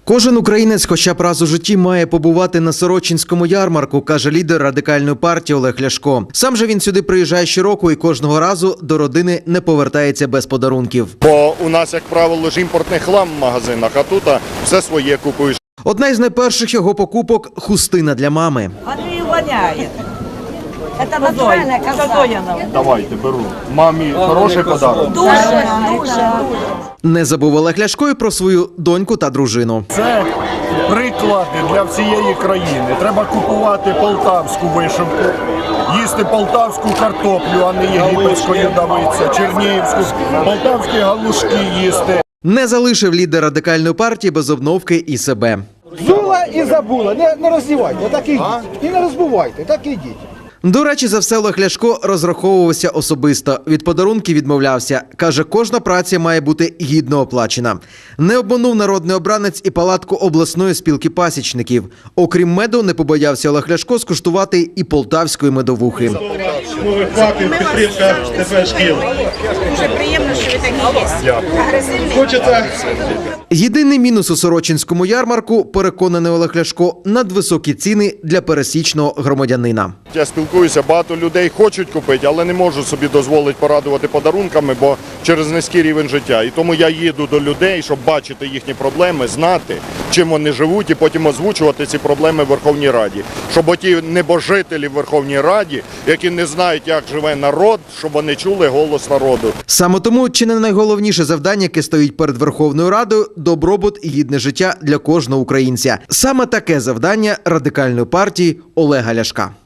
Кожен українець хоча б раз у житті має побувати на Сорочинському ярмарку, каже лідер Радикальної партії Олег Ляшко. Сам же він сюди приїжджає щороку і кожного разу до родини не повертається без подарунків. Бо у нас, як правило, ж імпортний хлам в магазинах, а тут все своє купуєш. Одна із найперших його покупок – хустина для мами. Андрій воняє. Це натуральна коза. Давайте, беру. Мамі хороший подарунок. Дуже. Не забув Олег Ляшко і про свою доньку та дружину. Це приклади для всієї країни. Треба купувати полтавську вишивку, їсти полтавську картоплю, а не єгипетську ядовиця, чернігівську, полтавські галушки їсти. Не залишив лідер Радикальної партії без обновки і себе. Взула і забула. Не роздівайте, так і йдіть. І не розбивайте, так і йдіть. До речі, за все Олег Ляшко розраховувався особисто. Від подарунків відмовлявся. Каже, кожна праця має бути гідно оплачена. Не обманув народний обранець і палатку обласної спілки пасічників. Окрім меду, не побоявся Олег Ляшко скуштувати і полтавської медовухи. Підтримка ТП шкіл. Дуже приємно, що ви такі є. Агресивний. Хочеться. Єдиний мінус у Сорочинському ярмарку, переконаний Олег Ляшко, надвисокі ціни для пересічного громадянина. Я спілкуюся, багато людей хочуть купити, але не можуть собі дозволити порадувати подарунками, бо через низький рівень життя. І тому я їду до людей, щоб бачити їхні проблеми, знати, чим вони живуть, і потім озвучувати ці проблеми в Верховній Раді. Щоб оті небожителі в Верховній Раді, які не знають, як живе народ, щоб вони чули голос народу. Саме тому чи не найголовніше завдання, яке стоїть перед Верховною Радою – добробут і гідне життя для кожного українця. Саме таке завдання Радикальної партії Олега Ляшка.